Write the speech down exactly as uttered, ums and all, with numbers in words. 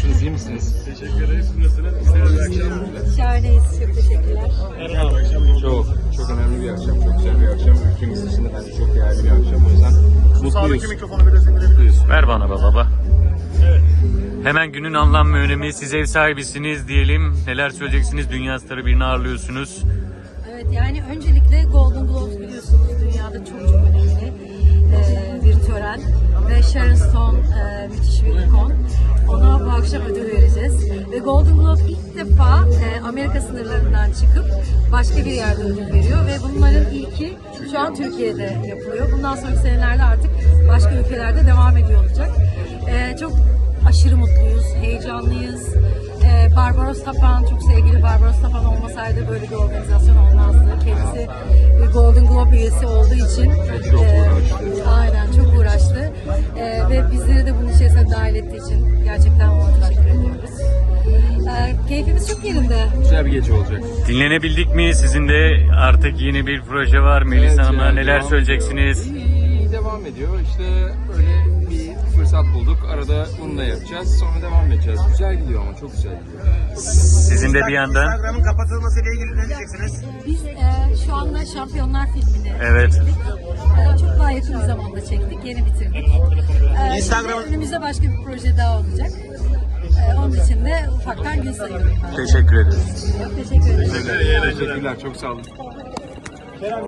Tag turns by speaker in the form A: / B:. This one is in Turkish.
A: Nasılsınız, iyi misiniz?
B: Teşekkür ederiz. Nasılsınız? Güzel bir akşam.
C: Şahaneyiz. Çok teşekkürler.
B: Merhaba. Akşam
A: Çok, çok önemli bir akşam, çok güzel bir akşam. Ülkemiz için de bence çok değerli bir akşam. O yüzden
B: Sağdaki
A: mutluyuz.
B: mikrofonu biraz indirebiliriz.
D: Ver bana be baba.
B: Evet.
D: Hemen günün anlam ve önemi. Siz ev sahibisiniz diyelim. Neler söyleyeceksiniz? Dünya starı birini ağırlıyorsunuz.
C: Evet, yani öncelikle Golden Globes biliyorsunuz dünyada çok çok önemli e, bir tören ve Sharon Stone e, müthiş bir ikon. Ona bu akşam ödül vereceğiz ve Golden Globe ilk defa e, Amerika sınırlarından çıkıp başka bir yerde ödül veriyor ve bunların ilki şu an Türkiye'de yapılıyor. Bundan sonraki senelerde artık başka ülkelerde devam ediyor olacak. E, çok aşırı mutluyuz, heyecanlıyız. Ee, Barbaros Tapan, çok sevgili Barbaros Tapan olmasaydı böyle bir organizasyon olmazdı. Kendisi bir Golden Globe üyesi olduğu için
A: Çok
C: e,
A: uğraştı.
C: aynen çok uğraştı. E, ve bizleri de bunun içerisine dahil ettiği için gerçekten ona teşekkür ediyoruz. E, keyfimiz çok yerinde.
A: Güzel bir gece olacak.
D: Dinlenebildik mi? Sizin de artık yeni bir proje var. Melisa
A: Evet,
D: Hanım'la
A: yani
D: neler
A: devam
D: söyleyeceksiniz?
A: ediyor. İyi, iyi devam ediyor. İşte böyle bir fırsat bulduk. Arada bunu da yapacağız. Sonra devam edeceğiz. Güzel gidiyor ama çok güzel gidiyor.
D: Sizin de bir yandan.
B: Instagram'ın kapatılmasıyla ilgili ne diyeceksiniz?
C: Biz e, şu anda Şampiyonlar filmini
D: Evet.
C: çektik. E, çok daha yakın bir zamanda çektik. Yeni bitirdik. E,
B: Instagram-
C: şimdi önümüzde başka bir proje daha olacak. E, onun için de ufaktan gün sayıyorum ben.
D: Teşekkür ederiz.
C: Çok teşekkür ederim.
A: Teşekkürler. Çok sağ olun.